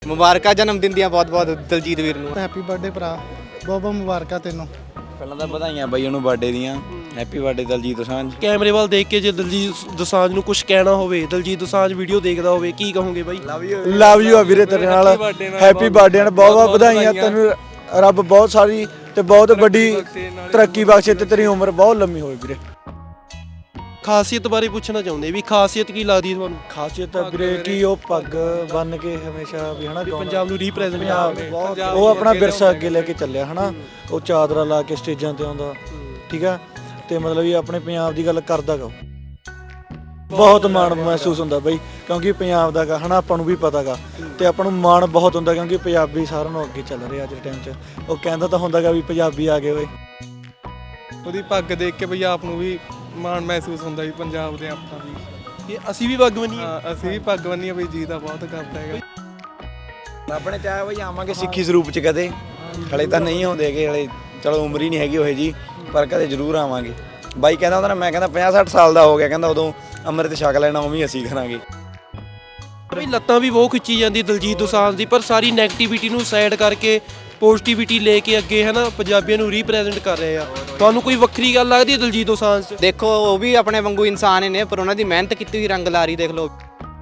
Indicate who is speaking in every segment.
Speaker 1: ਮੁਬਾਰਕਾਂ ਜਨਮ ਦਿਨ ਦੀਆਂ ਬਹੁਤ ਬਹੁਤ ਦਲਜੀਤ ਵੀਰ ਨੂੰ।
Speaker 2: ਹੈਪੀ ਬਰਥਡੇ ਭਰਾ, ਬਹੁਤ ਬਹੁਤ ਮੁਬਾਰਕਾਂ ਤੈਨੂੰ।
Speaker 3: ਪਹਿਲਾਂ ਤਾਂ ਵਧਾਈਆਂ ਬਾਈ ਉਹਨੂੰ ਬਰਥਡੇ ਦੀਆਂ। Happy birthday Diljit Dosanjh.
Speaker 4: ਕੈਮਰੇ ਵੱਲ ਦੇਖ ਕੇ ਜੇ ਦਲਜੀਤ ਦੋਸਾਂਝ ਨੂੰ ਕੁਝ ਕਹਿਣਾ ਹੋਵੇ, ਦਲਜੀਤ ਦੋਸਾਂਝ ਵੀਡੀਓ ਦੇਖਦਾ ਹੋਵੇ, ਕੀ ਕਹੋਗੇ ਬਾਈ?
Speaker 3: ਲਵ ਯੂ ਆ ਵੀਰੇ ਤੇਰੇ ਨਾਲ। ਹੈਪੀ ਬਰਥਡੇ ਨਾਲ ਬਹੁਤ ਬਹੁਤ ਵਧਾਈਆਂ ਤੈਨੂੰ। ਰੱਬ ਬਹੁਤ ਸਾਰੀ ਤੇ ਬਹੁਤ ਵੱਡੀ ਤਰੱਕੀ ਬਖਸ਼ੇ ਤੇ ਤੇਰੀ ਉਮਰ ਬਹੁਤ ਲੰਮੀ ਹੋਵੇ ਵੀਰੇ।
Speaker 4: ਖਾਸੀਅਤ ਬਾਰੇ ਪੁੱਛਣਾ ਚਾਹੁੰਦੇ ਵੀ ਖਾਸੀਅਤ ਕੀ ਲੱਗਦੀ ਤੁਹਾਨੂੰ?
Speaker 3: ਖਾਸੀਅਤ ਆ ਵੀਰੇ ਕਿ ਉਹ ਪੱਗ ਬੰਨ ਕੇ ਹਮੇਸ਼ਾ ਵੀ ਹਨਾ
Speaker 4: ਪੰਜਾਬ ਨੂੰ ਰੀਪ੍ਰੈਜ਼ੈਂਟ
Speaker 3: ਪੰਜਾਬ ਉਹ ਆਪਣਾ ਵਿਰਸਾ ਅੱਗੇ ਲੈ ਕੇ ਚੱਲਿਆ ਹਨਾ। ਉਹ ਚਾਦਰਾ ਲਾ ਕੇ ਸਟੇਜਾਂ ਤੇ ਆਉਂਦਾ, ਠੀਕ ਆ, ਤੇ ਮਤਲਬ ਇਹ ਆਪਣੇ ਪੰਜਾਬ ਦੀ ਗੱਲ ਕਰਦਾ ਗਾ। ਬਹੁਤ ਮਾਣ ਮਹਿਸੂਸ ਹੁੰਦਾ ਬਈ, ਕਿਉਂਕਿ ਪੰਜਾਬ ਦਾ ਗਾ ਹਨਾ, ਆਪਾਂ ਨੂੰ ਵੀ ਪਤਾ ਗਾ ਤੇ ਆਪਾਂ ਨੂੰ ਮਾਣ ਬਹੁਤ ਹੁੰਦਾ ਕਿਉਂਕਿ ਪੰਜਾਬੀ ਸਾਰਿਆਂ ਨੂੰ ਅੱਗੇ ਚੱਲ ਰਿਹਾ ਅੱਜ ਦੇ ਟਾਈਮ 'ਚ। ਉਹ ਕਹਿੰਦਾ ਤਾਂ ਹੁੰਦਾ ਗਾ ਵੀ ਪੰਜਾਬੀ ਆ ਗਏ ਓਏ।
Speaker 2: ਉਹਦੀ ਪੱਗ ਦੇਖ ਕੇ ਬਈ ਆਪ ਨੂੰ ਵੀ ਮਾਣ ਮਹਿਸੂਸ ਹੁੰਦਾ ਵੀ ਪੰਜਾਬ ਦੇ ਆਪਾਂ ਵੀ।
Speaker 4: ਇਹ ਅਸੀਂ ਵੀ ਪੱਗ ਬੰਨੀਏ।
Speaker 2: ਹਾਂ, ਅਸੀਂ ਵੀ ਪੱਗ ਬੰਨੀਏ ਬਈ, ਜੀ ਦਾ ਬਹੁਤ ਕਰਦਾ ਹੈਗਾ।
Speaker 3: ਆਪਣੇ ਚਾਹ ਬਈ ਆਵਾਂਗੇ ਸਿੱਖੀ ਸਰੂਪ 'ਚ ਕਦੇ, ਹਲੇ ਤਾਂ ਨਹੀਂ ਆਉਂਦੇਗੇ, ਹਲੇ ਚਲੋ ਉਮਰ ਹੀ ਨਹੀਂ ਹੈਗੀ ਉਹ ਜੀ, ਪਰ ਕਦੇ ਜ਼ਰੂਰ ਆਵਾਂਗੇ। ਬਾਈ ਕਹਿੰਦਾ ਹੁੰਦਾ ਨਾ, ਮੈਂ ਕਹਿੰਦਾ 50-60 ਸਾਲ ਦਾ ਹੋ ਗਿਆ, ਕਹਿੰਦਾ ਉਦੋਂ ਅੰਮ੍ਰਿਤ ਛਕ ਲੈਣਾ, ਉਵੇਂ ਅਸੀਂ ਕਰਾਂਗੇ।
Speaker 4: ਬਈ ਲੱਤਾਂ ਵੀ ਬਹੁਤ ਖਿੱਚੀ ਜਾਂਦੀ ਦਲਜੀਤ ਦੋਸਾਂਝ ਦੀ, ਪਰ ਸਾਰੀ ਨੈਗੇਟਿਵਿਟੀ ਨੂੰ ਸਾਈਡ ਕਰਕੇ ਪੋਜ਼ਿਟਿਵਿਟੀ ਲੈ ਕੇ ਅੱਗੇ ਹੈ ਨਾ ਪੰਜਾਬੀਆਂ ਨੂੰ ਰੀਪ੍ਰੈਜ਼ੈਂਟ ਕਰ ਰਹੇ ਆ। ਤੁਹਾਨੂੰ ਕੋਈ ਵੱਖਰੀ ਗੱਲ ਲੱਗਦੀ ਹੈ ਦਲਜੀਤ ਦੋਸਾਂਝ 'ਚ?
Speaker 1: ਦੇਖੋ ਉਹ ਵੀ ਆਪਣੇ ਵਾਂਗੂ ਇਨਸਾਨ ਹੀ ਨੇ, ਪਰ ਉਹਨਾਂ ਦੀ ਮਿਹਨਤ ਕੀਤੀ ਹੋਈ ਰੰਗ ਲਾਰੀ ਦੇਖ ਲਓ।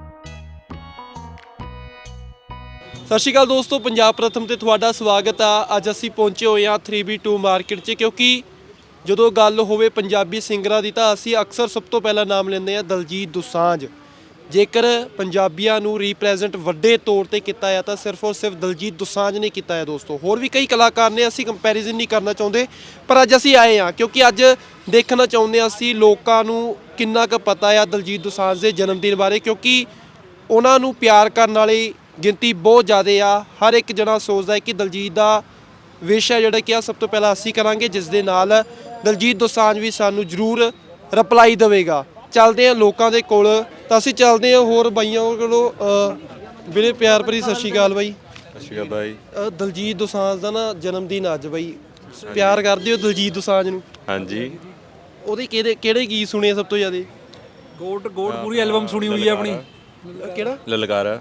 Speaker 4: ਸਤਿ ਸ਼੍ਰੀ ਅਕਾਲ ਦੋਸਤੋ, ਪੰਜਾਬ ਪ੍ਰਥਮ ਤੇ ਤੁਹਾਡਾ ਸਵਾਗਤ ਆ। ਅੱਜ ਅਸੀਂ ਪਹੁੰਚੇ ਹੋਏ ਹਾਂ 3B2 ਮਾਰਕੀਟ 'ਚ, ਕਿਉਂਕਿ ਜਦੋਂ ਗੱਲ ਹੋਵੇ ਪੰਜਾਬੀ ਸਿੰਗਰਾਂ ਦੀ ਤਾਂ ਅਸੀਂ ਅਕਸਰ ਸਭ ਤੋਂ ਪਹਿਲਾਂ ਨਾਮ ਲੈਂਦੇ ਹਾਂ ਦਲਜੀਤ ਦੋਸਾਂਝ। ਜੇਕਰ ਪੰਜਾਬੀਆਂ ਨੂੰ ਰੀਪ੍ਰੈਜ਼ੈਂਟ ਵੱਡੇ ਤੌਰ ਤੇ ਕੀਤਾ ਹੈ ਤਾਂ ਸਿਰਫ ਔਰ ਸਿਰਫ ਦਲਜੀਤ ਦੋਸਾਂਝ ਨੇ ਕੀਤਾ ਹੈ ਦੋਸਤੋ। ਹੋਰ ਵੀ ਕਈ ਕਲਾਕਾਰ ਨੇ, ਅਸੀਂ ਕੰਪੈਰੀਜ਼ਨ ਨਹੀਂ ਕਰਨਾ ਚਾਹੁੰਦੇ, ਪਰ ਅੱਜ ਅਸੀਂ ਆਏ ਹਾਂ ਕਿਉਂਕਿ ਅੱਜ ਦੇਖਣਾ ਚਾਹੁੰਦੇ ਹਾਂ ਅਸੀਂ ਲੋਕਾਂ ਨੂੰ ਕਿੰਨਾ ਕੁ ਪਤਾ ਆ ਦਲਜੀਤ ਦੋਸਾਂਝ ਦੇ ਜਨਮ ਦਿਨ ਬਾਰੇ, ਕਿਉਂਕਿ ਉਹਨਾਂ ਨੂੰ ਪਿਆਰ ਕਰਨ ਵਾਲੀ ਗਿਣਤੀ ਬਹੁਤ ਜ਼ਿਆਦਾ ਆ। ਹਰ ਇੱਕ ਜਣਾ ਸੋਚਦਾ ਹੈ ਕਿ ਦਲਜੀਤ ਦਾ ਵਿਸ਼ ਹੈ ਜਿਹੜਾ ਕਿ ਆ ਸਭ ਤੋਂ ਪਹਿਲਾਂ ਅਸੀਂ ਕਰਾਂਗੇ, ਜਿਸ ਦੇ ਨਾਲ ਦਲਜੀਤ ਦੋਸਾਂਝ ਵੀ ਸਾਨੂੰ ਜ਼ਰੂਰ ਰਿਪਲਾਈ ਦੇਵੇਗਾ। ਚੱਲਦੇ ਹਾਂ ਲੋਕਾਂ ਦੇ ਕੋਲ, ਤਾਂ ਅਸੀਂ ਚੱਲਦੇ ਹਾਂ ਹੋਰ ਬਾਈਆਂ ਕੋਲੋਂ। ਵੀਰੇ ਪਿਆਰ ਭਰੀ ਸਤਿ ਸ਼੍ਰੀ ਅਕਾਲ ਬਾਈ।
Speaker 5: ਸਤਿ ਸ਼੍ਰੀ ਅਕਾਲ ਬਾਈ।
Speaker 4: ਦਲਜੀਤ ਦੋਸਾਂਝ ਦਾ ਨਾ ਜਨਮ ਦਿਨ ਅੱਜ ਬਾਈ, ਪਿਆਰ ਕਰਦੇ ਹੋ ਦਲਜੀਤ ਦੋਸਾਂਝ ਨੂੰ?
Speaker 5: ਹਾਂਜੀ।
Speaker 4: ਉਹਦੇ ਕਿਹੜੇ ਗੀਤ ਸੁਣੇ ਸਭ ਤੋਂ ਜ਼ਿਆਦਾ?
Speaker 6: ਗੋਟ ਪੂਰੀ ਐਲਬਮ ਸੁਣੀ ਹੋਈ ਹੈ ਆਪਣੀ।
Speaker 4: ਕਿਹੜਾ?
Speaker 5: ਲਲਕਾਰਾ।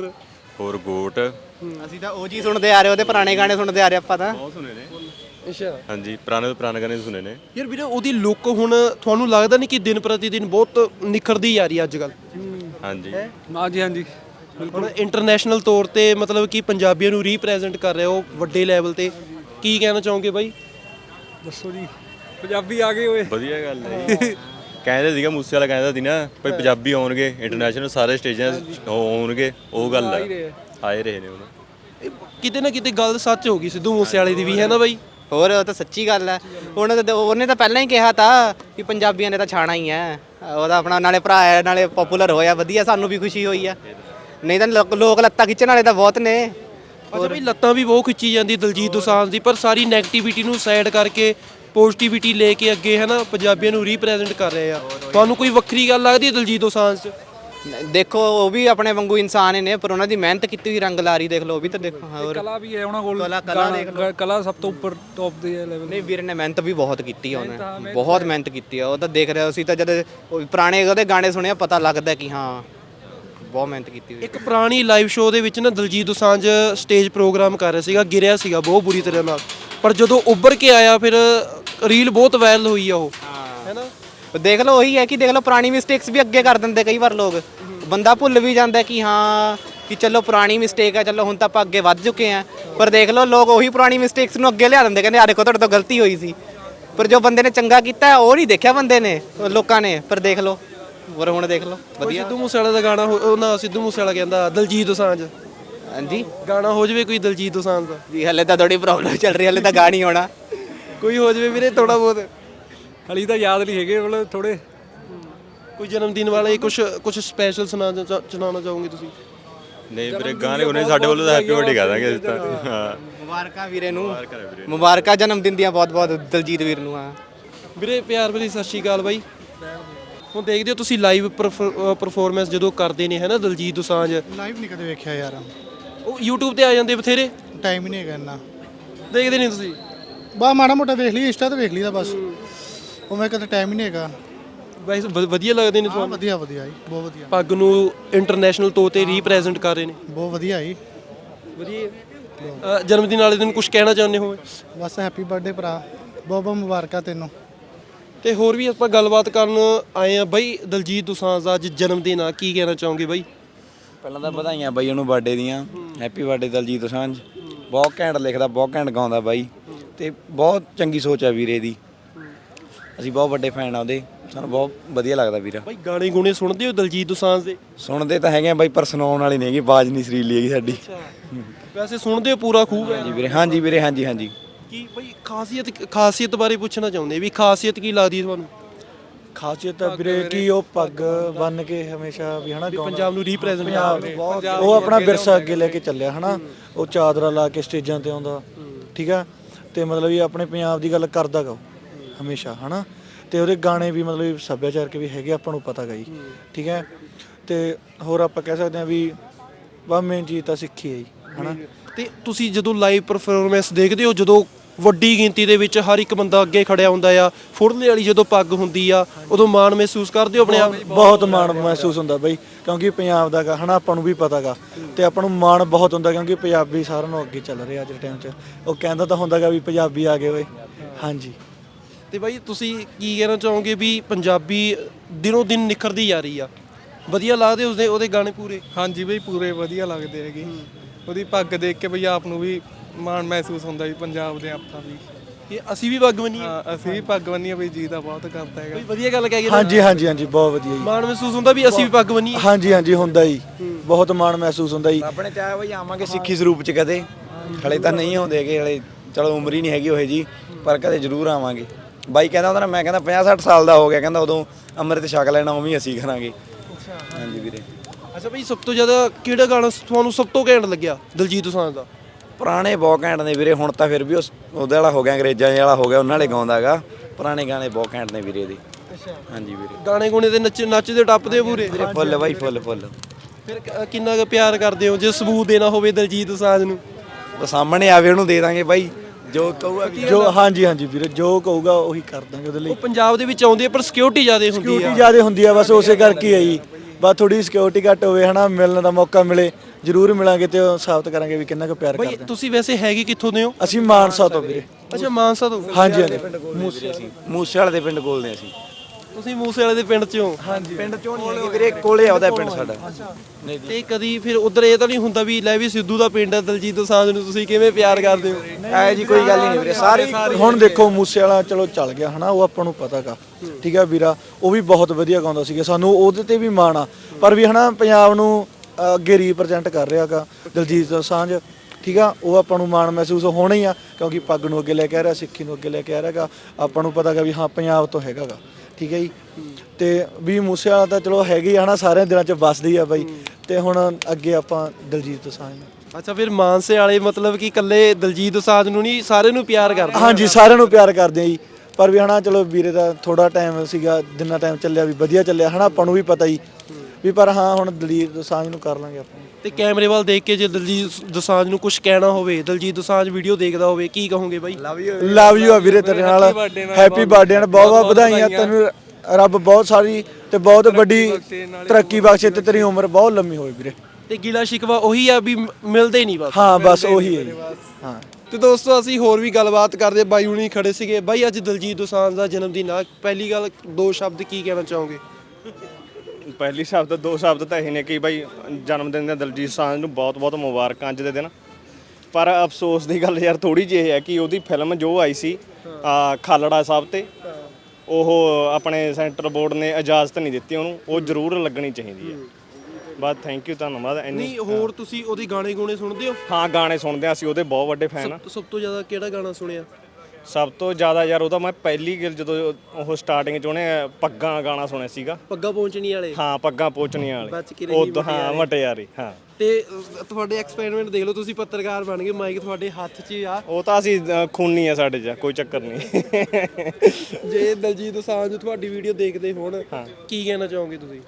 Speaker 4: ਹੋਰ
Speaker 5: ਗੋਟ।
Speaker 1: ਅਸੀਂ ਤਾਂ ਉਹ ਜੀ ਸੁਣਦੇ ਆ ਰਹੇ, ਉਹਦੇ ਪੁਰਾਣੇ ਗਾਣੇ ਸੁਣਦੇ ਆ ਰਹੇ ਆਪਾਂ ਤਾਂ।
Speaker 5: ਬਹੁਤ ਸੁਣੇ ਨੇ।
Speaker 4: ਅੱਛਾ।
Speaker 5: ਹਾਂਜੀ, ਪੁਰਾਣੇ ਤੋਂ ਪੁਰਾਣੇ ਗਾਣੇ ਸੁਣੇ ਨੇ।
Speaker 4: ਯਾਰ ਵੀਰੇ ਉਹਦੀ ਲੁੱਕ ਹੁਣ ਤੁਹਾਨੂੰ ਲੱਗਦਾ ਨਹੀਂ ਕਿ ਦਿਨ ਪ੍ਰਤੀ ਦਿਨ ਬਹੁਤ ਨਿਖਰਦੀ ਜਾ ਰਹੀ ਹੈ ਅੱਜ ਕੱਲ੍ਹ?
Speaker 5: ਹਾਂਜੀ
Speaker 6: ਹਾਂਜੀ
Speaker 4: ਹੁਣ ਇੰਟਰਨੈਸ਼ਨਲ ਤੌਰ ਤੇ ਮਤਲਬ ਕਿ ਪੰਜਾਬੀਆਂ ਨੂੰ ਰੀਪ੍ਰੈਜ਼ੈਂਟ ਕਰ ਰਿਹਾ ਉਹ ਵੱਡੇ ਲੈਵਲ ਤੇ। ਕੀ ਕਹਿਣਾ ਚਾਹੋਗੇ ਬਾਈ?
Speaker 6: ਦੱਸੋ ਜੀ। ਪੰਜਾਬੀ ਆ ਗਏ ਓਏ।
Speaker 5: ਵਧੀਆ ਗੱਲ ਹੈ। ਕਹਿੰਦੇ ਸੀਗਾ ਮੂਸੇ ਵਾਲਾ ਕਹਿੰਦਾ ਸੀ ਨਾ ਭਾਈ ਪੰਜਾਬੀ ਆਉਣਗੇ ਇੰਟਰਨੈਸ਼ਨਲ ਸਾਰੇ ਸਟੇਜਾਂ ਆਉਣਗੇ, ਉਹ ਗੱਲ ਆਏ ਰਹੇ ਨੇ ਹੁਣ।
Speaker 4: ਕਿਤੇ ਨਾ ਕਿਤੇ ਗੱਲ ਸੱਚ ਹੋ ਗਈ ਸਿੱਧੂ ਮੂਸੇ ਵਾਲੇ ਦੀ ਵੀ, ਹੈ ਨਾ ਬਾਈ?
Speaker 1: ਹੋਰ ਉਹ ਤਾਂ ਸੱਚੀ ਗੱਲ ਹੈ। ਉਹਨੇ ਤਾਂ ਪਹਿਲਾਂ ਹੀ ਕਿਹਾ ਤਾਂ ਕਿ ਪੰਜਾਬੀਆਂ ਨੇ ਤਾਂ ਛਾਣਾ ਹੀ ਹੈ। ਉਹਦਾ ਆਪਣਾ ਨਾਲੇ ਭਰਾ ਹੈ, ਨਾਲੇ ਪਪੂਲਰ ਹੋਇਆ, ਵਧੀਆ, ਸਾਨੂੰ ਵੀ ਖੁਸ਼ੀ ਹੋਈ ਆ। ਨਹੀਂ ਤਾਂ ਲੋਕ ਲੱਤਾਂ ਖਿੱਚਣ ਵਾਲੇ ਤਾਂ ਬਹੁਤ ਨੇ।
Speaker 4: ਅੱਛਾ ਬਈ, ਲੱਤਾਂ ਵੀ ਬਹੁਤ ਖਿੱਚੀ ਜਾਂਦੀ ਦਲਜੀਤ ਦੋਸਾਂਝ ਦੀ, ਪਰ ਸਾਰੀ ਨੈਗੇਟਿਵਿਟੀ ਨੂੰ ਸਾਈਡ ਕਰਕੇ ਪੋਜ਼ਿਟਿਵਿਟੀ ਲੈ ਕੇ ਅੱਗੇ ਹੈ ਨਾ ਪੰਜਾਬੀਆਂ ਨੂੰ ਰੀਪ੍ਰੈਜ਼ੈਂਟ ਕਰ ਰਹੇ ਆ। ਤੁਹਾਨੂੰ ਕੋਈ ਵੱਖਰੀ ਗੱਲ ਲੱਗਦੀ ਹੈ ਦਲਜੀਤ ਦੋਸਾਂਝ 'ਚ?
Speaker 1: ਦੇਖੋ ਉਹ ਵੀ ਆਪਣੇ ਵਾਂਗੂ ਇਨਸਾਨ ਹੀ ਨੇ, ਪਰ ਉਹਨਾਂ ਦੀ ਮਿਹਨਤ ਕੀਤੀ ਹੋਈ ਰੰਗ ਲਾਰੀ ਦੇਖ ਲਓ, ਉਹ ਵੀ ਤਾਂ ਦੇਖੋ। ਹੋਰ
Speaker 6: ਕਲਾ ਵੀ ਹੈ ਉਹਨਾਂ ਕੋਲ,
Speaker 1: ਕਲਾ
Speaker 6: ਸਭ ਤੋਂ ਉੱਪਰ ਟੌਪ ਦੇ ਲੈਵਲ।
Speaker 1: ਨਹੀਂ, ਵੀਰ ਨੇ ਮਿਹਨਤ ਵੀ ਬਹੁਤ ਕੀਤੀ ਆ, ਉਹਨੇ ਬਹੁਤ ਮਿਹਨਤ ਕੀਤੀ ਆ। ਉਹ ਤਾਂ ਦੇਖ ਰਿਹਾ ਸੀ ਤਾਂ ਜਦ ਪੁਰਾਣੇ ਉਹਦੇ ਗਾਣੇ ਸੁਣਿਆ ਪਤਾ ਲੱਗਦਾ ਕਿ ਹਾਂ ਬਹੁਤ ਮਿਹਨਤ ਕੀਤੀ ਹੋਈ।
Speaker 4: ਇੱਕ ਪੁਰਾਣੀ ਲਾਈਵ ਸ਼ੋਅ ਦੇ ਵਿੱਚ ਨਾ ਦਲਜੀਤ ਦੋਸਾਂਝ ਸਟੇਜ ਪ੍ਰੋਗਰਾਮ ਕਰ ਰਿਹਾ ਸੀਗਾ, ਗਿਰਿਆ ਸੀਗਾ ਬਹੁਤ ਬੁਰੀ ਤਰ੍ਹਾਂ ਨਾਲ, ਪਰ ਜਦੋਂ ਉੱਭਰ ਕੇ ਆਇਆ ਫਿਰ ਰੀਲ ਬਹੁਤ ਵਾਇਰਲ ਹੋਈ ਆ ਉਹ, ਹੈ ਨਾ?
Speaker 1: ਦੇਖ ਲਓ ਉਹੀ ਹੈ ਕਿ ਦੇਖ ਲਓ ਪੁਰਾਣੀ ਮਿਸਟੇਕਸ ਵੀ ਅੱਗੇ ਕਰ ਦਿੰਦੇ ਕਈ ਵਾਰ ਲੋਕ। ਬੰਦਾ ਭੁੱਲ ਵੀ ਜਾਂਦਾ ਕਿ ਹਾਂ ਕਿ ਚਲੋ ਪੁਰਾਣੀ ਮਿਸਟੇਕ ਹੈ, ਚਲੋ ਹੁਣ ਤਾਂ ਆਪਾਂ ਅੱਗੇ ਵੱਧ ਚੁੱਕੇ ਹਾਂ, ਪਰ ਦੇਖ ਲਓ ਲੋਕ ਉਹੀ ਪੁਰਾਣੀ ਮਿਸਟੇਕਸ ਨੂੰ ਅੱਗੇ ਲਿਆ ਦਿੰਦੇ, ਕਹਿੰਦੇ ਆ ਦੇਖੋ ਤੁਹਾਡੇ ਤੋਂ ਗਲਤੀ ਹੋਈ ਸੀ। ਪਰ ਜੋ ਬੰਦੇ ਨੇ ਚੰਗਾ ਕੀਤਾ ਉਹ ਨਹੀਂ ਦੇਖਿਆ ਬੰਦੇ ਨੇ, ਲੋਕਾਂ ਨੇ। ਪਰ ਦੇਖ ਲਓ, ਪਰ ਹੁਣ ਦੇਖ ਲਓ ਵਧੀਆ।
Speaker 4: ਸਿੱਧੂ ਮੂਸੇ ਵਾਲੇ ਦਾ ਗਾਣਾ ਨਾ, ਸਿੱਧੂ ਮੂਸੇ ਵਾਲਾ ਕਹਿੰਦਾ ਦਲਜੀਤ ਦੋਸਾਂਝ,
Speaker 1: ਹਾਂਜੀ
Speaker 4: ਗਾਣਾ ਹੋ ਜਾਵੇ ਕੋਈ ਦਲਜੀਤ ਦੋਸਾਂਝ ਦਾ
Speaker 1: ਜੀ। ਹਲੇ ਤਾਂ ਥੋੜੀ ਪ੍ਰੋਬਲਮ ਚੱਲ ਰਹੀ, ਹਲੇ ਤਾਂ ਗਾ ਨਹੀਂ ਹੋਣਾ।
Speaker 4: ਕੋਈ ਹੋ ਜਾਵੇ ਵੀਰੇ ਥੋੜਾ ਬਹੁਤ।
Speaker 6: ਹਲੀ ਤਾਂ ਯਾਦ ਨਹੀਂ ਹੈਗੇ ਮਤਲਬ ਥੋੜੇ।
Speaker 4: ਕੋਈ ਜਨਮ ਦਿਨ ਵਾਲੇ ਕੁਝ ਸਪੈਸ਼ਲ ਸੁਣਾਉਣਾ ਚਾਹੋਗੇ ਤੁਸੀਂ?
Speaker 5: ਨਹੀਂ ਵੀਰੇ, ਗਾਣੇ ਉਹਨੇ ਸਾਡੇ ਵੱਲੋਂ ਤਾਂ ਹੈਪੀ ਬਰਥਡੇ ਕਰ ਦਾਂਗੇ ਅਸੀਂ ਤਾਂ। ਹਾਂ,
Speaker 1: ਮੁਬਾਰਕਾਂ ਵੀਰੇ ਨੂੰ, ਮੁਬਾਰਕਾਂ ਜਨਮ ਦਿਨ ਦੀਆਂ ਬਹੁਤ ਬਹੁਤ ਦਲਜੀਤ ਵੀਰ ਨੂੰ। ਹਾਂ
Speaker 4: ਵੀਰੇ ਪਿਆਰ ਭਰੀ ਸਤਿ ਸ਼੍ਰੀ ਅਕਾਲ ਬਾਈ। ਹੁਣ ਦੇਖਦੇ ਹੋ ਤੁਸੀਂ ਲਾਈਵ ਪਰਫਾਰਮੈਂਸ ਜਦੋਂ ਕਰਦੇ ਨੇ, ਹੈ ਨਾ ਦਲਜੀਤ ਦੋਸਾਂਝ?
Speaker 2: ਲਾਈਵ ਨਹੀਂ ਕਦੇ ਵੇਖਿਆ ਯਾਰ,
Speaker 4: ਉਹ YouTube ਤੇ ਆ ਜਾਂਦੇ ਬਥੇਰੇ।
Speaker 2: ਟਾਈਮ ਹੀ ਨਹੀਂ ਹੈਗਾ ਇੰਨਾ।
Speaker 4: ਦੇਖਦੇ ਨਹੀਂ ਤੁਸੀਂ?
Speaker 2: ਬਾ ਮਾੜਾ ਮੋਟਾ ਵੇਖ ਲਈ, ਇੰਸਟਾ ਤੇ ਵੇਖ ਲਈਦਾ ਬਸ। ਉਹ ਮੈਂ ਕਦੇ ਟਾਈਮ ਹੀ ਨਹੀਂ ਹੈਗਾ।
Speaker 4: ਵੈਸੇ ਵਧੀਆ ਲੱਗਦੇ ਨੇ ਤੁਹਾਨੂੰ?
Speaker 2: ਵਧੀਆ ਜੀ, ਬਹੁਤ ਵਧੀਆ।
Speaker 4: ਪੱਗ ਨੂੰ ਇੰਟਰਨੈਸ਼ਨਲ ਤੌਰ ਤੇ ਰੀਪ੍ਰੈਜ਼ੈਂਟ ਕਰ ਰਹੇ ਨੇ,
Speaker 2: ਬਹੁਤ ਵਧੀਆ ਜੀ।
Speaker 4: ਵਧੀਆ ਜਨਮ ਦਿਨ ਵਾਲੇ ਦਿਨ ਕੁਝ ਕਹਿਣਾ ਚਾਹੁੰਦੇ ਹੋ?
Speaker 7: ਬਸ ਹੈਪੀ ਬਰਥਡੇ ਭਰਾ, ਬਹੁਤ ਬਹੁਤ ਮੁਬਾਰਕਾਂ ਤੈਨੂੰ।
Speaker 4: ਤੇ ਹੋਰ ਵੀ ਆਪਾਂ ਗੱਲਬਾਤ ਕਰਨ ਆਏ ਆ ਬਾਈ। ਦਲਜੀਤ ਦੋਸਾਂਝ ਦਾ ਅੱਜ ਜਨਮ ਦਿਨ ਆ, ਕੀ ਕਹਿਣਾ ਚਾਹੋਗੇ ਬਾਈ?
Speaker 8: ਪਹਿਲਾਂ ਤਾਂ ਵਧਾਈਆਂ ਬਾਈ ਉਹਨੂੰ ਬਰਥਡੇ ਦੀਆਂ। Happy birthday Diljit Dosanjh. ਬਹੁਤ ਘੈਂਟ ਲਿਖਦਾ, ਬਹੁਤ ਘੈਂਟ ਗਾਉਂਦਾ ਬਾਈ, ਤੇ ਬਹੁਤ ਚੰਗੀ ਸੋਚ ਆ ਵੀਰੇ ਦੀ। ਅਸੀਂ ਬਹੁਤ ਵੱਡੇ ਫੈਨ ਆ ਉਹਦੇ, ਸਾਨੂੰ ਬਹੁਤ ਵਧੀਆ ਲੱਗਦਾ ਵੀਰਾ।
Speaker 4: ਬਾਈ ਗਾਣੇ ਗੁਣੇ ਸੁਣਦੇ ਹੋ ਦਲਜੀਤ ਦੋਸਾਂਝ ਦੇ?
Speaker 8: ਸੁਣਦੇ ਤਾਂ ਹੈਗੇ ਆ ਬਾਈ, ਪਰ ਸੁਣਾਉਣ ਵਾਲੀ ਨਹੀਂ ਹੈਗੀ, ਆਵਾਜ਼ ਨਹੀਂ ਸਰੀਲੀ ਹੈਗੀ ਸਾਡੀ।
Speaker 4: ਵੈਸੇ ਸੁਣਦੇ ਹੋ ਪੂਰਾ ਖੂਬ ਹੈ?
Speaker 8: ਹਾਂਜੀ ਵੀਰੇ, ਹਾਂਜੀ ਵੀਰੇ, ਹਾਂਜੀ ਹਾਂਜੀ।
Speaker 4: ਕੀ ਬਾਈ ਖਾਸੀਅਤ ਬਾਰੇ ਪੁੱਛਣਾ ਚਾਹੁੰਦੇ ਵੀ ਖਾਸੀਅਤ ਕੀ ਲੱਗਦੀ ਤੁਹਾਨੂੰ?
Speaker 3: ਖਾਸੀਅਤ ਤਾਂ ਵੀਰੇ ਕੀ ਉਹ ਪੱਗ ਬੰਨ ਕੇ ਹਮੇਸ਼ਾ ਵੀ ਹਨਾ ਗਾਉਂਦਾ।
Speaker 4: ਪੰਜਾਬ ਨੂੰ ਰੀਪ੍ਰੈਜ਼ੈਂਟ ਕਰਦੇ।
Speaker 3: ਉਹ ਆਪਣਾ ਵਿਰਸਾ ਅੱਗੇ ਲੈ ਕੇ ਚੱਲਿਆ ਹਨਾ। ਉਹ ਚਾਦਰਾ ਲਾ ਕੇ ਸਟੇਜਾਂ ਤੇ ਆਉਂਦਾ, ਠੀਕ ਆ, ਤੇ ਮਤਲਬ ਵੀ ਆਪਣੇ ਪੰਜਾਬ ਦੀ ਗੱਲ ਕਰਦਾ ਗਾ ਉਹ ਹਮੇਸ਼ਾ ਹਨਾ। ਤੇ ਉਹਦੇ ਗਾਣੇ ਵੀ ਮਤਲਬ ਸੱਭਿਆਚਾਰਕ ਵੀ ਹੈਗੇ, ਆਪਾਂ ਨੂੰ ਪਤਾ ਗਾ ਜੀ, ਠੀਕ ਹੈ। ਤੇ ਹੋਰ ਆਪਾਂ ਕਹਿ ਸਕਦੇ ਹਾਂ ਵੀ ਬਸ ਮੇਨ ਚੀਜ਼ ਤਾਂ ਸਿੱਖੀ ਹੈ ਜੀ ਹਨਾ।
Speaker 4: ਤੇ ਤੁਸੀਂ ਜਦੋਂ ਲਾਈਵ ਪਰਫਾਰਮੈਂਸ ਦੇਖਦੇ ਹੋ, ਜਦੋਂ ਵੱਡੀ ਗਿਣਤੀ ਦੇ ਵਿੱਚ ਹਰ ਇੱਕ ਬੰਦਾ ਅੱਗੇ ਖੜਿਆ ਹੁੰਦਾ ਆ, ਫੁਰਲੇ ਵਾਲੀ ਜਦੋਂ ਪੱਗ ਹੁੰਦੀ ਆ, ਉਦੋਂ ਮਾਣ ਮਹਿਸੂਸ ਕਰਦੇ ਹੋ ਆਪਣੇ ਆਪ?
Speaker 3: ਬਹੁਤ ਮਾਣ ਮਹਿਸੂਸ ਹੁੰਦਾ ਬਈ, ਕਿਉਂਕਿ ਪੰਜਾਬ ਦਾ ਗਾ ਹਨਾ, ਆਪਾਂ ਨੂੰ ਵੀ ਪਤਾ ਗਾ, ਤੇ ਆਪਾਂ ਨੂੰ ਮਾਣ ਬਹੁਤ ਹੁੰਦਾ ਕਿਉਂਕਿ ਪੰਜਾਬੀ ਸਾਰਿਆਂ ਨੂੰ ਅੱਗੇ ਚੱਲ ਰਿਹਾ ਅੱਜ ਦੇ ਟਾਈਮ 'ਚ। ਉਹ ਕਹਿੰਦਾ ਤਾਂ ਹੁੰਦਾ ਗਾ ਵੀ ਪੰਜਾਬੀ ਆ ਗਏ ਓਏ। ਹਾਂਜੀ।
Speaker 4: ਤੇ ਬਾਈ ਤੁਸੀਂ ਕੀ ਕਹਿਣਾ ਚਾਹੋਗੇ ਵੀ ਪੰਜਾਬੀ ਦਿਨੋਂ ਦਿਨ ਨਿਖਰਦੀ ਜਾ ਰਹੀ ਆ? ਵਧੀਆ ਲੱਗਦੇ ਉਹਦੇ ਗਾਣੇ ਪੂਰੇ?
Speaker 2: ਹਾਂਜੀ ਬਈ, ਪੂਰੇ ਵਧੀਆ ਲੱਗਦੇ ਹੈਗੇ। ਉਹਦੀ ਪੱਗ ਦੇਖ ਕੇ ਬਈ ਆਪ ਨੂੰ ਵੀ ਮਾਣ ਮਹਿਸੂਸ ਹੁੰਦਾ ਵੀ ਪੰਜਾਬ ਦੇ ਆਪਾਂ ਵੀ।
Speaker 4: ਇਹ ਅਸੀਂ ਵੀ ਪੱਗ ਬੰਨੀਏ?
Speaker 2: ਹਾਂ, ਅਸੀਂ ਵੀ ਪੱਗ ਬੰਨੀਏ ਬਈ, ਜੀ ਦਾ ਬਹੁਤ ਕਰਦਾ ਹੈਗਾ।
Speaker 4: ਬਈ ਵਧੀਆ ਗੱਲ ਕਹਿ ਗਏ।
Speaker 3: ਹਾਂਜੀ ਹਾਂਜੀ ਹਾਂਜੀ, ਬਹੁਤ ਵਧੀਆ ਜੀ।
Speaker 4: ਮਾਣ ਮਹਿਸੂਸ ਹੁੰਦਾ ਵੀ ਅਸੀਂ ਵੀ ਪੱਗ ਬੰਨੀਏ?
Speaker 3: ਹਾਂਜੀ ਹਾਂਜੀ ਹੁੰਦਾ ਜੀ, ਬਹੁਤ ਮਾਣ ਮਹਿਸੂਸ ਹੁੰਦਾ ਜੀ।
Speaker 8: ਆਪਣੇ ਚਾਹ ਬਈ ਆਵਾਂਗੇ ਸਿੱਖੀ ਸਰੂਪ ਚ ਕਦੇ, ਹਲੇ ਤਾਂ ਨਹੀਂ ਆਉਂਦੇ ਹੈਗੇ, ਹਲੇ ਚਲੋ ਉਮਰ ਹੀ ਨਹੀਂ ਹੈਗੀ ਉਹ ਜੀ, ਪਰ ਕਦੇ ਜ਼ਰੂਰ ਆਵਾਂਗੇ। ਬਾਈ ਕਹਿੰਦਾ ਉਹਦਾ, ਮੈਂ ਕਹਿੰਦਾ 50-60 ਸਾਲ ਦਾ ਹੋ ਗਿਆ, ਕਹਿੰਦਾ ਉਦੋਂ ਅੰਮ੍ਰਿਤ ਛਕ ਲੈਣਾ, ਉਵੇਂ ਹੀ ਅਸੀਂ ਕਰਾਂਗੇ। ਹਾਂਜੀ ਵੀਰੇ।
Speaker 4: ਅੱਛਾ ਬਈ, ਸਭ ਤੋਂ ਜ਼ਿਆਦਾ ਕਿਹੜਾ ਗਾਣਾ ਤੁਹਾਨੂੰ ਸਭ ਤੋਂ ਘੈਂਟ ਲੱਗਿਆ ਦਲਜੀਤ ਦੋਸਾਂਝ ਦਾ?
Speaker 8: ਪੁਰਾਣੇ ਬਹੁਤ ਘੈਂਟ ਨੇ ਵੀਰੇ, ਹੁਣ ਤਾਂ ਫਿਰ ਵੀ ਉਹਦੇ ਵਾਲਾ ਹੋ ਗਿਆ, ਅੰਗਰੇਜ਼ਾਂ ਵਾਲਾ ਹੋ ਗਿਆ, ਉਹਨਾਂ ਵਾਲੇ ਗਾਉਂਦਾ ਹੈਗਾ। ਪੁਰਾਣੇ ਗਾਣੇ ਬਹੁਤ ਘੈਂਟ ਨੇ ਵੀਰੇ ਇਹਦੇ। ਹਾਂਜੀ ਵੀਰੇ।
Speaker 4: ਗਾਣੇ ਗੁਣੇ ਤੇ ਨੱਚਦੇ ਟੱਪਦੇ ਪੂਰੇ?
Speaker 8: ਵੀਰੇ ਫੁੱਲ ਬਾਈ, ਫੁੱਲ ਫੁੱਲ।
Speaker 4: ਫਿਰ ਕਿੰਨਾ ਕੁ ਪਿਆਰ ਕਰਦੇ ਹੋ? ਜੇ ਸਬੂਤ ਦੇਣਾ ਹੋਵੇ ਦਲਜੀਤ ਦੋਸਾਂਝ ਨੂੰ?
Speaker 8: ਉਹ ਸਾਹਮਣੇ ਆਵੇ ਉਹਨੂੰ ਦੇ ਦਾਂਗੇ ਬਾਈ, ਜੋ ਕਹੂਗਾ।
Speaker 3: ਜੋ ਹਾਂਜੀ ਹਾਂਜੀ ਵੀਰੇ, ਜੋ ਕਹੂਗਾ ਉਹੀ ਕਰ ਦਾਂਗੇ ਉਹਦੇ ਲਈ।
Speaker 4: ਉਹ ਪੰਜਾਬ ਦੇ ਵਿੱਚ ਆਉਂਦੇ ਪਰ ਸਿਕਿਉਰਿਟੀ ਜ਼ਿਆਦਾ ਹੁੰਦੀ
Speaker 3: ਸਿਕਿਉਰਿਟੀ
Speaker 4: ਆ।
Speaker 3: ਜ਼ਿਆਦਾ ਹੁੰਦੀ ਆ, ਬਸ ਉਸੇ ਕਰਕੇ ਹੈ ਜੀ। ਬਸ ਥੋੜੀ ਸਿਕਿਉਰਿਟੀ ਘੱਟ ਹੋਵੇ ਹਨਾ, ਮਿਲਣ ਦਾ ਮੌਕਾ ਮਿਲੇ ਜ਼ਰੂਰ ਮਿਲਾਂਗੇ, ਤੇ ਉਹ ਸਾਬਤ ਕਰਾਂਗੇ ਵੀ ਕਿੰਨਾ ਕੁ ਪਿਆਰ
Speaker 4: ਬਈ
Speaker 3: ਕਰਦੇ ਹਾਂ।
Speaker 4: ਤੁਸੀਂ ਵੈਸੇ ਹੈਗੇ ਕਿੱਥੋਂ ਦੇ ਹੋ?
Speaker 3: ਅਸੀਂ ਮਾਨਸਾ ਤੋਂ ਵੀਰੇ।
Speaker 4: ਅੱਛਾ, ਮਾਨਸਾ ਤੋਂ?
Speaker 3: ਹਾਂਜੀ ਹਾਂਜੀ।
Speaker 8: ਮੂਸੇ ਵਾਲੇ ਦੇ ਪਿੰਡ ਕੋਲ ਨੇ ਅਸੀਂ।
Speaker 4: ਤੁਸੀਂ ਮੂਸੇ ਵਾਲੇ ਦੇ ਪਿੰਡ ਚ ਹੋ?
Speaker 8: ਹਾਂਜੀ, ਪਿੰਡ ਚੋਂ ਨਹੀਂ ਹੈਗੇ ਵੀਰੇ, ਕੋਲੇ ਆਉਦਾ ਪਿੰਡ ਸਾਡਾ।
Speaker 4: ਤੇ ਕਦੀ ਫਿਰ ਉਧਰ ਇਹ ਤਾਂ ਨਹੀਂ ਹੁੰਦਾ ਵੀ ਲੈ ਵੀ ਸਿੱਧੂ ਦਾ ਪਿੰਡ ਹੈ, ਦਲਜੀਤ ਦੋਸਾਂਝ ਨੂੰ ਤੁਸੀਂ ਕਿਵੇਂ ਪਿਆਰ ਕਰਦੇ ਹੋ?
Speaker 8: ਐ ਜੀ ਕੋਈ ਗੱਲ ਹੀ ਨਹੀਂ ਵੀਰੇ, ਸਾਰੇ
Speaker 3: ਹੁਣ ਦੇਖੋ ਮੂਸੇ ਵਾਲਾ ਚਲੋ ਚੱਲ ਗਿਆ ਹਨਾ, ਉਹ ਆਪਾਂ ਨੂੰ ਪਤਾ ਗਾ, ਠੀਕ ਆ ਵੀਰਾ, ਉਹ ਵੀ ਬਹੁਤ ਵਧੀਆ ਗਾਉਂਦਾ ਸੀਗਾ, ਸਾਨੂੰ ਉਹਦੇ ਤੇ ਵੀ ਮਾਣ ਆ। ਪਰ ਵੀ ਹਨਾ ਪੰਜਾਬ ਨੂੰ ਅੱਗੇ ਰੀਪ੍ਰੈਜ਼ੈਂਟ ਕਰ ਰਿਹਾ ਗਾ ਦਲਜੀਤ ਦੋਸਾਂਝ, ਠੀਕ ਆ। ਉਹ ਆਪਾਂ ਨੂੰ ਮਾਣ ਮਹਿਸੂਸ ਹੋਣਾ ਹੀ ਆ, ਕਿਉਂਕਿ ਪੱਗ ਨੂੰ ਅੱਗੇ ਲੈ ਕੇ ਆ ਰਿਹਾ, ਸਿੱਖੀ ਨੂੰ ਅੱਗੇ ਲੈ ਕੇ ਆ ਰਿਹਾ ਗਾ। ਆਪਾਂ ਨੂੰ ਪਤਾ ਗਾ ਵੀ ਹਾਂ ਪੰਜਾਬ ਤੋਂ ਹੈਗਾ ਗਾ, ਠੀਕ ਹੈ ਜੀ। ਤੇ ਵੀ ਮੂਸੇ ਵਾਲਾ ਤਾਂ ਚਲੋ ਹੈਗੀ ਆ ਹਨਾ, ਸਾਰਿਆਂ ਦਿਲਾਂ 'ਚ ਵੱਸਦੀ ਆ ਬਾਈ। ਤੇ ਹੁਣ ਅੱਗੇ ਆਪਾਂ ਦਲਜੀਤ ਦੋਸਾਂਝ ਨੂੰ।
Speaker 4: ਅੱਛਾ, ਫਿਰ ਮਾਨਸੇ ਵਾਲੇ ਮਤਲਬ ਕਿ ਇਕੱਲੇ ਦਲਜੀਤ ਦੋਸਾਂਝ ਨੂੰ ਨਹੀਂ, ਸਾਰਿਆਂ ਨੂੰ ਪਿਆਰ ਕਰਦੇ?
Speaker 3: ਹਾਂਜੀ, ਸਾਰਿਆਂ ਨੂੰ ਪਿਆਰ ਕਰਦੇ ਆ ਜੀ। ਪਰ ਵੀ ਹਨਾ ਚਲੋ ਵੀਰੇ ਦਾ ਥੋੜਾ ਟਾਈਮ ਸੀਗਾ, ਜਿੰਨਾ ਟਾਈਮ ਚੱਲਿਆ ਵੀ ਵਧੀਆ ਚੱਲਿਆ ਹਨਾ, ਆਪਾਂ ਨੂੰ ਵੀ ਪਤਾ ਹੀ ਵੀ। ਪਰ ਹਾਂ ਹੁਣ ਦਲਜੀਤ ਦੋਸਾਂਝ ਨੂੰ ਕਰ ਲਾਂਗੇ ਆਪਾਂ।
Speaker 4: ਤੇ ਕੈਮਰੇ ਵੱਲ ਦੇਖ ਕੇ ਜੇ ਦਲਜੀਤ ਦੋਸਾਂਝ ਨੂੰ ਕੁਝ ਕਹਿਣਾ ਹੋਵੇ, ਦਲਜੀਤ ਦੋਸਾਂਝ ਵੀਡੀਓ ਦੇਖਦਾ ਹੋਵੇ, ਕੀ ਕਹੋਗੇ ਬਾਈ?
Speaker 3: ਲਵ ਯੂ ਆ ਵੀਰੇ ਤੇਰੇ ਨਾਲ, ਹੈਪੀ ਬਰਥਡੇ ਨਾਲ ਬਹੁਤ ਬਹੁਤ ਵਧਾਈਆਂ ਤੈਨੂੰ। ਰੱਬ ਬਹੁਤ ਸਾਰੀ ਤੇ ਬਹੁਤ ਵੱਡੀ ਤਰੱਕੀ ਬਖਸ਼ੇ, ਤੇ ਤੇਰੀ ਉਮਰ ਬਹੁਤ ਲੰਮੀ ਹੋਵੇ ਵੀਰੇ।
Speaker 4: ਤੇ ਗਿਲਾ ਸ਼ਿਕਵਾ ਉਹੀ ਆ ਵੀ ਮਿਲਦੇ ਨਹੀਂ ਬਸ?
Speaker 3: ਹਾਂ ਬਸ ਉਹੀ ਹੈ ਜੀ। ਹਾਂ।
Speaker 4: ਤੇ ਦੋਸਤੋ, ਅਸੀਂ ਹੋਰ ਵੀ ਗੱਲਬਾਤ ਕਰਦੇ, ਬਾਈ ਹੁਣੀ ਖੜੇ ਸੀਗੇ। ਬਾਈ ਅੱਜ ਦਲਜੀਤ ਦੋਸਾਂਝ ਦਾ ਜਨਮ ਦਿਨ ਆ, ਪਹਿਲੀ ਗੱਲ 2 ਸ਼ਬਦ ਕੀ ਕਹਿਣਾ ਚਾਹੋਗੇ?
Speaker 9: ਪਹਿਲੀ ਸ਼ਬਦ 2 ਸ਼ਬਦ ਤਾਂ ਇਹ ਨੇ ਕਿ ਬਾਈ ਜਨਮ ਦਿਨ ਦੇ ਦਲਜੀਤ ਦੋਸਾਂਝ ਨੂੰ ਬਹੁਤ ਬਹੁਤ ਮੁਬਾਰਕਾਂ ਅੱਜ ਦੇ ਦਿਨ। ਪਰ ਅਫਸੋਸ ਦੀ ਗੱਲ ਯਾਰ ਥੋੜੀ ਜਿਹੀ ਹੈ ਕਿ ਉਹਦੀ ਫਿਲਮ ਜੋ ਆਈ ਸੀ ਖਾਲੜਾ ਸਾਹਿਬ ਤੇ, ਉਹ ਆਪਣੇ ਸੈਂਟਰ ਬੋਰਡ ਨੇ ਇਜਾਜ਼ਤ ਨਹੀਂ ਦਿੱਤੀ ਉਹਨੂੰ, ਉਹ ਜ਼ਰੂਰ ਲੱਗਣੀ ਚਾਹੀਦੀ ਹੈ। ਬਸ ਥੈਂਕ ਯੂ, ਧੰਨਵਾਦ।
Speaker 4: ਨਹੀਂ ਹੋਰ ਤੁਸੀਂ ਉਹਦੇ ਗਾਣੇ ਗੋਣੇ ਸੁਣਦੇ ਹੋ?
Speaker 9: ਹਾਂ, ਗਾਣੇ ਸੁਣਦੇ ਆ ਅਸੀਂ, ਉਹਦੇ ਬਹੁਤ ਵੱਡੇ ਫੈਨ ਆ।
Speaker 4: ਸਭ ਤੋਂ ਜ਼ਿਆਦਾ ਕਿਹੜਾ ਗਾਣਾ ਸੁਣਿਆ?
Speaker 9: ਸਭ ਤੋਂ ਜ਼ਿਆਦਾ ਯਾਰ ਉਹਦਾ ਮੈਂ ਪਹਿਲੀ ਗੱਲ ਜਦੋਂ ਉਹ ਸਟਾਰਟਿੰਗ 'ਚ ਉਹਨੇ ਪੱਗਾਂ ਗਾਣਾ ਸੁਣਿਆ ਸੀਗਾ।
Speaker 4: ਪੱਗਾਂ ਪਹੁੰਚਣੀ ਵਾਲੇ?
Speaker 9: ਹਾਂ, ਪੱਗਾਂ ਪਹੁੰਚਣੀਆਂ
Speaker 4: ਬਚ ਕੇ
Speaker 9: ਵਾਲੇ,
Speaker 4: ਰਹੀ
Speaker 9: ਉਹ ਹਾਂ ਮਟਿਆਰੀ। ਹਾਂ,
Speaker 4: ਤੇ ਤੁਹਾਡੇ ਐਕਸਪੈਰੀਮੈਂਟ ਦੇਖ ਲਓ, ਤੁਸੀਂ ਪੱਤਰਕਾਰ ਬਣ ਗਏ, ਮਾਈਕ ਤੁਹਾਡੇ ਹੱਥ 'ਚ ਆ।
Speaker 9: ਉਹ ਤਾਂ ਅਸੀਂ ਖੂਨੀ ਆ ਸਾਡੇ 'ਚ, ਕੋਈ ਚੱਕਰ ਨਹੀਂ।
Speaker 4: ਜੇ ਦਲਜੀਤ ਦੋਸਾਂਝ ਤੁਹਾਡੀ ਵੀਡੀਓ ਦੇਖਦੇ ਹੋਣ, ਕੀ ਕਹਿਣਾ ਚਾਹੋਗੇ ਤੁਸੀਂ?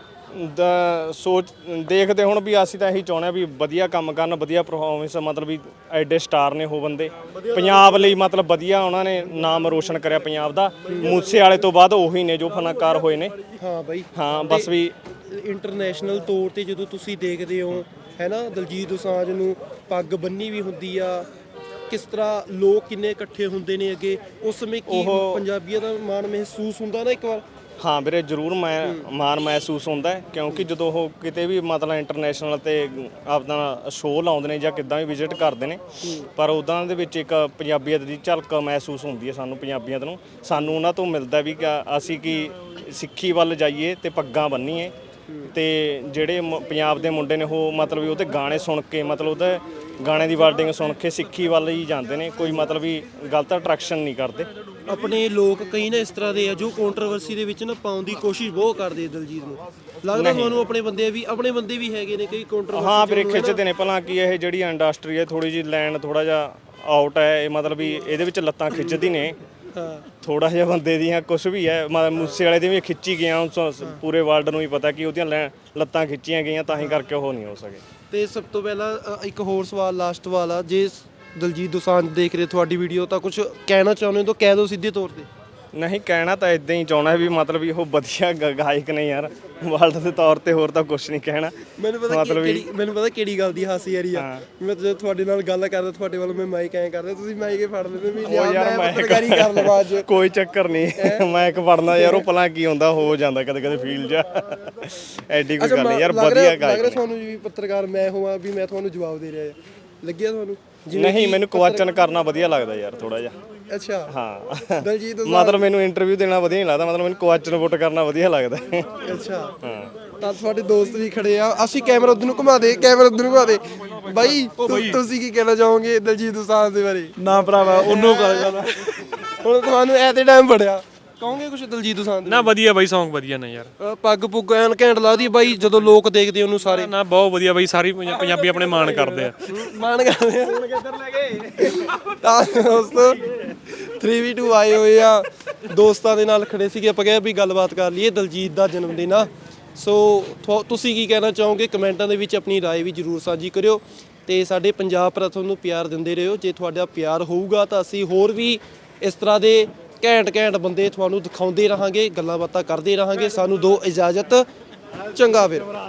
Speaker 9: ਸੋਚ ਦੇਖਦੇ ਹੁਣ ਵੀ ਅਸੀਂ ਤਾਂ ਇਹੀ ਚਾਹੁੰਦੇ ਆ ਵੀ ਵਧੀਆ ਕੰਮ ਕਰਨ, ਵਧੀਆ ਪਰਫਾਰਮੈਂਸ, ਮਤਲਬ ਵੀ ਐਡੇ ਸਟਾਰ ਨੇ ਉਹ ਬੰਦੇ ਪੰਜਾਬ ਲਈ, ਮਤਲਬ ਵਧੀਆ ਉਹਨਾਂ ਨੇ ਨਾਮ ਰੋਸ਼ਨ ਕਰਿਆ ਪੰਜਾਬ ਦਾ। ਮੂਸੇ ਵਾਲੇ ਤੋਂ ਬਾਅਦ ਉਹੀ ਨੇ ਜੋ ਫਨਕਾਰ ਹੋਏ ਨੇ।
Speaker 4: ਹਾਂ ਬਾਈ।
Speaker 9: ਹਾਂ ਬਸ ਵੀ
Speaker 4: ਇੰਟਰਨੈਸ਼ਨਲ ਤੌਰ ਤੇ ਜਦੋਂ ਤੁਸੀਂ ਦੇਖਦੇ ਹੋ ਹੈ ਨਾ ਦਲਜੀਤ ਦੋਸਾਂਝ ਨੂੰ, ਪੱਗ ਬੰਨੀ ਵੀ ਹੁੰਦੀ ਆ, ਕਿਸ ਤਰ੍ਹਾਂ ਲੋਕ ਕਿੰਨੇ ਇਕੱਠੇ ਹੁੰਦੇ ਨੇ ਅੱਗੇ, ਉਸ ਸਮੇਂ ਕੀ ਪੰਜਾਬੀਆਂ ਦਾ ਮਾਣ ਮਹਿਸੂਸ ਹੁੰਦਾ ਨਾ ਇੱਕ ਵਾਰ?
Speaker 9: ਹਾਂ ਵੀਰੇ ਜ਼ਰੂਰ ਮਾਣ ਮਹਿਸੂਸ ਹੁੰਦਾ ਹੈ, ਕਿਉਂਕਿ ਜਦੋਂ ਉਹ ਕਿਤੇ ਵੀ ਮਤਲਬ ਇੰਟਰਨੈਸ਼ਨਲ ਤੇ ਆਪਣਾ ਸ਼ੋਅ ਲਾਉਂਦੇ ਨੇ ਜਾਂ ਕਿੱਦਾਂ ਵੀ ਵਿਜ਼ਿਟ ਕਰਦੇ ਨੇ, ਪਰ ਉੱਦਾਂ ਦੇ ਵਿੱਚ ਇੱਕ ਪੰਜਾਬੀਅਤ ਦੀ ਝਲਕ ਮਹਿਸੂਸ ਹੁੰਦੀ ਹੈ ਸਾਨੂੰ ਪੰਜਾਬੀਅਤ ਨੂੰ। ਸਾਨੂੰ ਉਹਨਾਂ ਤੋਂ ਮਿਲਦਾ ਵੀ ਕਿ ਅਸੀਂ ਕੀ ਸਿੱਖੀ ਵੱਲ ਜਾਈਏ ਤੇ ਪੱਗਾਂ ਬੰਨੀਏ, ਤੇ ਜਿਹੜੇ ਪੰਜਾਬ ਦੇ ਮੁੰਡੇ ਨੇ ਉਹ ਮਤਲਬ ਵੀ ਉਹਦੇ ਗਾਣੇ ਸੁਣ ਕੇ, ਮਤਲਬ ਉਹਦੇ ਗਾਣੇ ਦੀ ਵਰਡਿੰਗ ਸੁਣ ਕੇ ਸਿੱਖੀ ਵੱਲ ਹੀ ਜਾਂਦੇ ਨੇ, ਕੋਈ ਮਤਲਬ ਵੀ ਗਲਤ ਅਟਰੈਕਸ਼ਨ ਨਹੀਂ ਕਰਦੇ।
Speaker 4: ਆਪਣੇ ਲੋਕ ਕਈ ਨਾ ਇਸ ਤਰ੍ਹਾਂ ਦੇ ਆ ਜੋ ਕੰਟਰੋਵਰਸੀ ਦੇ ਵਿੱਚ ਨਾ ਪਾਉਣ ਦੀ ਕੋਸ਼ਿਸ਼ ਬਹੁਤ ਕਰਦੇ ਦਿਲਜੀਤ ਨੂੰ, ਲੱਗਦਾ ਤੁਹਾਨੂੰ ਆਪਣੇ ਬੰਦੇ ਵੀ ਹੈਗੇ ਨੇ ਕਈ ਕੰਟਰੋਵਰਸੀ?
Speaker 9: ਹਾਂ ਵੀਰੇ ਖਿੱਚਦੇ ਨੇ, ਭਲਾ ਕੀ ਇਹ ਜਿਹੜੀ ਇੰਡਸਟਰੀ ਹੈ ਥੋੜੀ ਜਿਹੀ ਲੈਣ ਥੋੜਾ ਜਿਹਾ ਆਊਟ ਹੈ, ਇਹ ਮਤਲਬ ਵੀ ਇਹਦੇ ਵਿੱਚ ਲੱਤਾਂ ਖਿੱਚਦੀ ਨੇ ਥੋੜਾ ਜਿਹਾ ਬੰਦੇ ਦੀਆਂ, ਕੁਝ ਵੀ ਹੈ ਮੂਸੇ ਵਾਲੇ ਦੀ ਵੀ ਖਿੱਚੀ ਗਿਆ, ਪੂਰੇ ਵਰਲਡ ਨੂੰ ਹੀ ਪਤਾ ਕਿ ਉਹਦੀਆਂ ਲੱਤਾਂ ਖਿੱਚੀਆਂ ਗਈਆਂ, ਤਾਂ ਹੀ ਕਰਕੇ ਉਹ ਨਹੀਂ ਹੋ ਸਕੇ।
Speaker 4: ਤੇ ਸਭ ਤੋਂ ਪਹਿਲਾਂ ਇੱਕ ਹੋਰ ਸਵਾਲ, ਲਾਸਟ ਸਵਾਲ ਆ, ਜੇ ਦਲਜੀਤ ਦੋਸਾਂਝ ਦੇਖ ਰਹੇ ਤੁਹਾਡੀ ਵੀਡੀਓ ਤਾਂ ਕੁਝ ਕਹਿਣਾ ਚਾਹੁੰਦੇ ਹੋ ਤਾਂ ਕਹਿ ਦਿਓ ਸਿੱਧੇ ਤੌਰ ਤੇ।
Speaker 9: ਨਹੀਂ ਕਹਿਣਾ ਤਾਂ ਇਦਾਂ ਹੀ ਚਾਹੁੰਦਾ ਵੀ ਮਤਲਬ ਵੀ ਉਹ ਵਧੀਆ ਗਾਇਕ ਨੇ ਯਾਰ, ਵਰਲਡ ਦੇ ਤੌਰ ਤੇ, ਹੋਰ ਤਾਂ ਕੁਝ ਨਹੀਂ ਕਹਿਣਾ।
Speaker 4: ਮੈਨੂੰ ਪਤਾ ਕਿਹੜੀ ਗੱਲ ਦੀ ਹਾਸੀ ਆ ਰਹੀ ਆ, ਮੈਂ ਜਦੋਂ ਤੁਹਾਡੇ ਨਾਲ ਗੱਲ ਕਰਦਾ ਤੁਹਾਡੇ ਵੱਲ ਮੈਂ ਮਾਈਕ ਐਂ ਕਰਦਾ, ਤੁਸੀਂ ਮਾਈਕ ਹੀ ਫੜ ਲੈਂਦੇ ਵੀ ਯਾਰ ਮੈਂ ਪੱਤਰਕਾਰੀ ਕਰ ਲਵਾਂ ਅੱਜ।
Speaker 9: ਕੋਈ ਚੱਕਰ ਨਹੀਂ, ਮਾਈਕ ਫੜਨਾ ਯਾਰ ਉਹ ਭਲਾ ਕੀ ਹੁੰਦਾ, ਹੋ ਜਾਂਦਾ ਕਦੇ ਕਦੇ ਫੀਲ ਜਾ, ਐਡੀ ਕੋਈ ਗੱਲ ਨਹੀਂ ਯਾਰ, ਵਧੀਆ ਗਾਇਕ।
Speaker 4: ਲੱਗ ਰਿਹਾ ਤੁਹਾਨੂੰ ਵੀ ਪੱਤਰਕਾਰ ਮੈਂ ਹੋਵਾਂ ਵੀ ਮੈਂ ਤੁਹਾਨੂੰ ਜਵਾਬ ਦੇ ਰਿਹਾ, ਲੱਗਿਆ ਤੁਹਾਨੂੰ?
Speaker 9: ਨਹੀਂ ਮੈਨੂੰ ਕੁਐਸਚਨ ਕਰਨਾ ਵਧੀਆ ਲੱਗਦਾ ਯਾਰ ਥੋੜਾ ਜਿਹਾ।
Speaker 4: ਅੱਛਾ
Speaker 9: ਹਾਂ
Speaker 4: ਦਲਜੀਤ
Speaker 9: ਮਤਲਬ ਮੈਨੂੰ ਇੰਟਰਵਿਊ ਦੇਣਾ ਵਧੀਆ ਨਹੀਂ ਲੱਗਦਾ, ਮਤਲਬ ਮੈਨੂੰ ਕੁਐਸਚਨ ਪੁੱਟ ਕਰਨਾ ਵਧੀਆ ਲੱਗਦਾ।
Speaker 4: ਅੱਛਾ ਤਾਂ ਤੁਹਾਡੇ ਦੋਸਤ ਵੀ ਖੜੇ ਆ, ਅਸੀਂ ਕੈਮਰਾ ਉਧਰ ਨੂੰ ਘੁਮਾ ਦੇ ਬਾਈ ਤੁਸੀਂ ਕੀ ਕਹਿਣਾ ਚਾਹੋਗੇ ਦਲਜੀਤ ਦੋਸਾਂਝ ਦੇ ਬਾਰੇ?
Speaker 3: ਨਾ ਭਰਾਵਾ ਉਹਨੂੰ ਕਰ ਗੱਲ
Speaker 4: ਹੁਣ ਤੁਹਾਨੂੰ ਐ ਤੇ ਟਾਈਮ ਬੜਿਆ, ਕਹੋਗੇ ਕੁਝ ਦਲਜੀਤ ਦੋਸਾਂਝ
Speaker 6: ਨਾ ਵਧੀਆ ਬਾਈ, ਸੌਂਗ ਵਧੀਆ ਨੇ ਯਾਰ,
Speaker 4: ਪੱਗ ਪੁੱਗ ਐਨ ਘੈਂਟ ਲੱਗਦੀ ਬਾਈ, ਜਦੋਂ ਲੋਕ ਦੇਖਦੇ ਉਹਨੂੰ ਸਾਰੇ
Speaker 6: ਨਾ ਬਹੁਤ ਵਧੀਆ ਬਾਈ, ਸਾਰੀ ਪੰਜਾਬੀ ਆਪਣੇ ਮਾਣ ਕਰਦੇ ਆ।
Speaker 4: ਮਾਣ ਕਰਦੇ ਆ। ਹੁਣ ਕਿੱਧਰ ਲੈ ਗਏ ਤਾਂ ਦੋਸਤੋ 3v2 ਆਏ ਹੋਏ ਆ, ਦੋਸਤਾਂ ਦੇ ਨਾਲ ਖੜੇ ਸੀਗੇ, ਆਪਾਂ ਕਿਹਾ ਵੀ ਗੱਲਬਾਤ ਕਰ ਲਈਏ, ਦਲਜੀਤ ਦਾ ਜਨਮ ਦਿਨ ਆ, ਸੋ ਤੁਸੀਂ ਕੀ ਕਹਿਣਾ ਚਾਹੋਗੇ ਕਮੈਂਟਾਂ ਦੇ ਵਿੱਚ ਆਪਣੀ ਰਾਏ ਵੀ ਜ਼ਰੂਰ ਸਾਂਝੀ ਕਰਿਓ, ਤੇ ਸਾਡੇ ਪੰਜਾਬ ਪ੍ਰਥਮ ਨੂੰ ਪਿਆਰ ਦਿੰਦੇ ਰਹੋ। ਜੇ ਤੁਹਾਡਾ ਪਿਆਰ ਹੋਊਗਾ ਤਾਂ ਅਸੀਂ ਹੋਰ ਵੀ ਇਸ ਤਰ੍ਹਾਂ ਦੇ ਘੈਂਟ ਬੰਦੇ ਤੁਹਾਨੂੰ ਦਿਖਾਉਂਦੇ ਰਹਾਂਗੇ, ਗੱਲਾਂ ਬਾਤਾਂ ਕਰਦੇ ਰਹਾਂਗੇ। ਸਾਨੂੰ ਦਿਓ ਇਜਾਜ਼ਤ, ਚੰਗਾ ਫਿਰ।